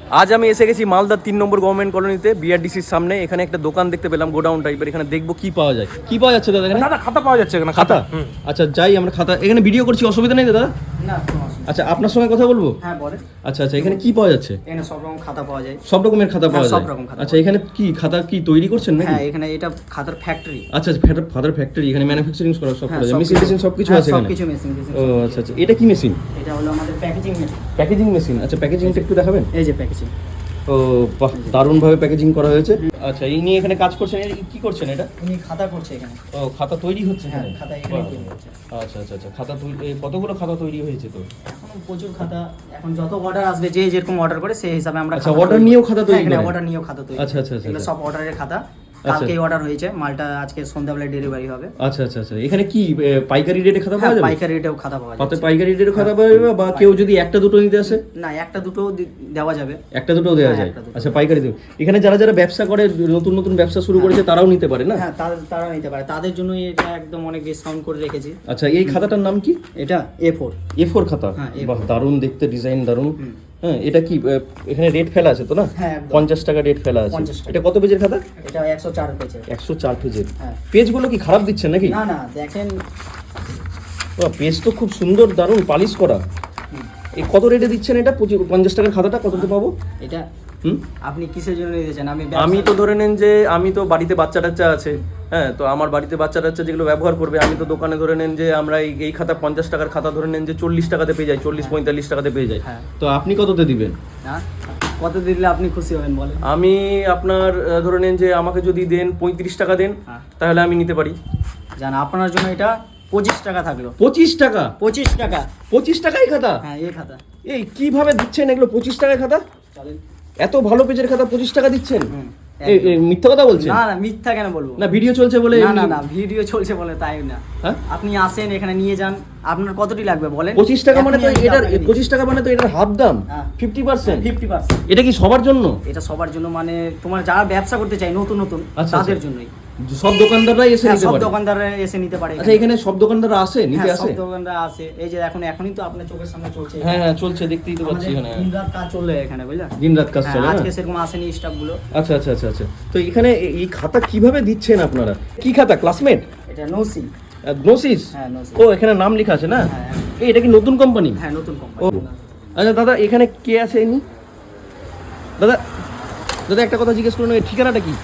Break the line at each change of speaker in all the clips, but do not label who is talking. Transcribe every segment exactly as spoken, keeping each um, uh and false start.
আজ আমি এসে গেছি মালদার তিন নম্বর গভর্নমেন্ট কলোনিতে বিআরডিসির সামনে। এখানে একটা দোকান দেখতে পেলাম, গোডাউন টাইপের। এখানে দেখবো কি পাওয়া যায়। কি পাওয়া যাচ্ছে দাদা এখানে?
দাদা খাতা পাওয়া যাচ্ছে এখানে,
খাতা। আচ্ছা যাই আমরা খাতা, এখানে ভিডিও করছি, অসুবিধা নেই দাদা?
না।
আচ্ছা আপনার সঙ্গে কথা বলবো?
হ্যাঁ বলে।
আচ্ছা আচ্ছা এখানে কি পাওয়া যাচ্ছে?
এখানে সব রকম খাতা পাওয়া যায়।
সব রকমের খাতা পাওয়া যায়?
সব রকম খাতা।
আচ্ছা এখানে কি খাতা কি তৈরি করছেন নাকি?
হ্যাঁ এখানে এটা খাতার ফ্যাক্টরি।
আচ্ছা খাতার ফ্যাক্টরি, এখানে ম্যানুফ্যাকচারিং করা সব করা যায়,
সব
মেশিন মেশিন সব কিছু আছে এখানে?
সব কিছু মেশিন মেশিন।
ও আচ্ছা আচ্ছা এটা কি মেশিন?
এটা হলো আমাদের প্যাকেজিং মেশিন।
Packaging machine. আচ্ছা প্যাকেজিংটা একটু দেখাবেন?
এই যে প্যাকেজিং।
ও বাহ, দারুণ ভাবে প্যাকেজিং করা হয়েছে। আচ্ছা এই নিয়ে এখানে কাজ করছেন, এটা কি করছেন এটা?
উনি খাতা করছে এখানে।
ও খাতা তৈরি হচ্ছে
হ্যাঁ
এখানে?
খাতা এখানে তৈরি হচ্ছে।
আচ্ছা আচ্ছা আচ্ছা খাতা তৈরি, এই কতগুলো খাতা তৈরি হয়েছে তো?
এখন প্রচুর খাতা, এখন যত অর্ডার আসবে যে যেরকম অর্ডার করে সেই হিসাবে আমরা
আচ্ছা অর্ডার নিয়েও খাতা তৈরি
করেন।
করেন?
অর্ডার নিয়েও খাতা তৈরি।
আচ্ছা আচ্ছা আচ্ছা
এগুলো সব অর্ডারের খাতা।
আচ্ছা।
কালকেই অর্ডার হয়েছে, মালটা আজকে সন্ধ্যাবেলায় ডেলিভারি হবে।
আচ্ছা আচ্ছা আচ্ছা এখানে কি এ, পাইকারি রেটে খাতা
হ্যাঁ
পাওয়া যাবে?
পাইকারি রেটেও খাতা পাওয়া
পাতে
যাবে।
পাইকারি রেটে খাতা পাওয়া যাবে, বা কেউ যদি একটা দুটো নিতে আসে?
না একটা দুটো দেওয়া যাবে।
একটা দুটো দেওয়া
হ্যাঁ,
যায়?
একটা দুটো।
আচ্ছা পাইকারি দেবে। এখানে যারা যারা ব্যবসা করে, নতুন নতুন ব্যবসা শুরু করেছে, তারাও নিতে পারে না?
হ্যাঁ তাদের তারা নিতে পারে, তাদের জন্য এটা একদম অনেক ডিসকাউন্ট করে রেখেছি।
আচ্ছা এই খাতাটার নাম কি?
এটা এ ফোর।
এ ফোর খাতা।
হ্যাঁ, এ ফোর।
বাহ দারুণ দেখতে, ডিজাইন দারুণ। হ্যাঁ এটা কি এ, এখানে রেট ফেলা আছে তো না?
হ্যাঁ, একদম।
পঞ্চাশ টাকা রেট ফেলা আছে।
পঞ্চাশ টাকা।
এটা কত পেজের খাতা?
এটা একশো চার পেজের।
একশো চার পেজের।
হ্যাঁ।
পেজগুলো কি খারাপ দিচ্ছেন নাকি?
না না দেখেন,
বাহ, পেজ তো খুব সুন্দর, দারুণ পালিশ করা। এই কত রেটে দিচ্ছেন এটা? পঁচিশ পঞ্চাশ টাকার খাতাটা কততে পাবো?
এটা
হুম
আপনি কিসের জন্য নিতে চান? আমি
আমি তো ধরে নেন যে আমি তো বাড়িতে বাচ্চা টাচ্চা আছে, হ্যাঁ তো আমার বাড়িতে বাচ্চা টাচ্চা যেগুলো ব্যবহার করবে, আমি তো দোকানে ধরে নেন যে আমরা এই এই খাতা পঞ্চাশ টাকার খাতা ধরে নেন যে চল্লিশ টাকাতে পেয়ে যাই, চল্লিশ পঁয়তাল্লিশ টাকাতে পেয়ে যাই।
হ্যাঁ।
তো আপনি কততে দিবেন?
হ্যাঁ কত দিলে আপনি খুশি হবেন বলেন?
আমি আপনার আহ, ধরে নেন যে আমাকে যদি দেন পঁয়ত্রিশ টাকা দেন,
হ্যাঁ।
তাহলে আমি নিতে পারি।
জান আপনার জন্য এটা পঁচিশ টাকা থাকলো।
পঁচিশ টাকা?
পঁচিশ টাকা।
পঁচিশ টাকায় খাতা?
হ্যাঁ এই খাতা।
এই কিভাবে দিচ্ছেন এগুলো পঁচিশ টাকায় খাতা?
চলেন।
এত ভালো পেজের খাতা পঁচিশ টাকা দিচ্ছেন?
হুম,
এই এই মিথ্যা কথা বলছেন?
না না মিথ্যা কেন বলবো?
না ভিডিও চলছে বলে?
না না না ভিডিও চলছে বলে তাই না।
হ্যাঁ?
আপনি আসেন এখানে নিয়ে যান, আপনার কতটি লাগবে বলেন?
পঁচিশ টাকা মানে তো
এখনই আমি
এটার
আপনাকে দিচ্ছি।
পঁচিশ টাকা মানে তো এটার হাফ দাম,
হ্যাঁ।
Fifty percent.
Fifty percent.
এটা কি সবার জন্য?
এটা সবার জন্য, মানে তোমার যারা ব্যবসা করতে চায় নতুন নতুন
আচ্ছা,
তাদের
আচ্ছা।
জন্যই।
সব দোকানদাররাই এসে
হ্যাঁ,
নিতে
সব
পারে?
দোকানদাররা এসে নিতে পারে।
আচ্ছা এখানে সব দোকানদাররা আসে নিতে
হ্যাঁ,
আসে?
সব দোকানদার আছে। এই যে এখন এখনই তো আপনার চোখের সামনে চলছে।
হ্যাঁ হ্যাঁ চলছে, দেখতেই তো পাচ্ছি এখানে।
দিন রাত কাজ চললে এখানে বুঝলা?
দিন রাত কাজ
হ্যাঁ,
চলে না?
আজকে সেরকম আসেনি স্টাফ গুলো।
আচ্ছা আচ্ছা আচ্ছা আচ্ছা তো এখানে এ- এই খাতা কিভাবে দিচ্ছেন আপনারা? কি খাতা? ক্লাসমেট?
এটা নৌসি।
গ্নোসিস?
হ্যাঁ নৌসি।
ও এখানে নাম লেখা আছে না?
হ্যাঁ,
এই এটা কি নতুন কোম্পানি?
হ্যাঁ নতুন
ও
কোম্পানি।
আচ্ছা দাদা এখানে কে আছে ইনি? দাদা দাদা একটা কথা জিজ্ঞেস করুন, এই ঠিকানাটা কি?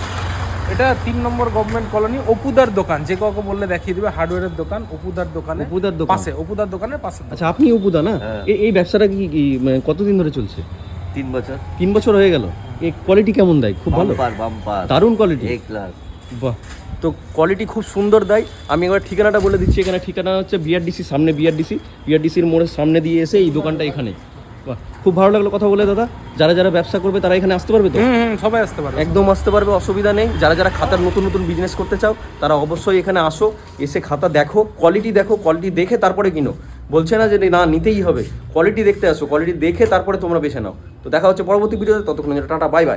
এটা তিন নম্বর গভর্নমেন্ট কলোনি, অপুদার দোকান। যে কাউকে বললে দেখিয়ে দিবে, হার্ডওয়্যারের দোকান, অপুদার দোকানে
অপুদার দোকান?
পাশে, অপুদার দোকানের পাশে।
আচ্ছা আপনি উপুদা না? এই এই ব্যবসাটা কি কি, মানে কতদিন ধরে চলছে?
তিন বছর।
তিন বছর হয়ে গেল। এই কোয়ালিটি কেমন দেয়? খুব ভালো?
বাম্পার বাম্পার
দারুণ কোয়ালিটি।
A class.
বাহ, তো কোয়ালিটি খুব সুন্দর দেয়। আমি একবার ঠিকানাটা বলে দিচ্ছি। এখানে ঠিকানা হচ্ছে বিআরডিসি সামনে, বিআরডিসি বিআরডিসির মোড়ের সামনে দিয়ে এসে এই দোকানটা এখানে। বাহ খুব ভালো লাগলো কথা বলে দাদা। যারা যারা ব্যবসা করবে তারা এখানে আসতে পারবে তো?
হুম হুম, সবাই আসতে পারে।
একদম আসতে পারবে, অসুবিধা নেই। যারা যারা খাতার নতুন নতুন বিজনেস করতে চাও তারা অবশ্যই এখানে আসো, এসে খাতা দেখো, কোয়ালিটি দেখো, কোয়ালিটি দেখে তারপরে কিনো। বলছে না যে না নিতেই হবে, কোয়ালিটি দেখতে আসো, কোয়ালিটি দেখে তারপরে তোমরা বেছে নাও। তো দেখা হচ্ছে পরবর্তী ভিডিওতে, ততক্ষণ টাটা, বাই বাই।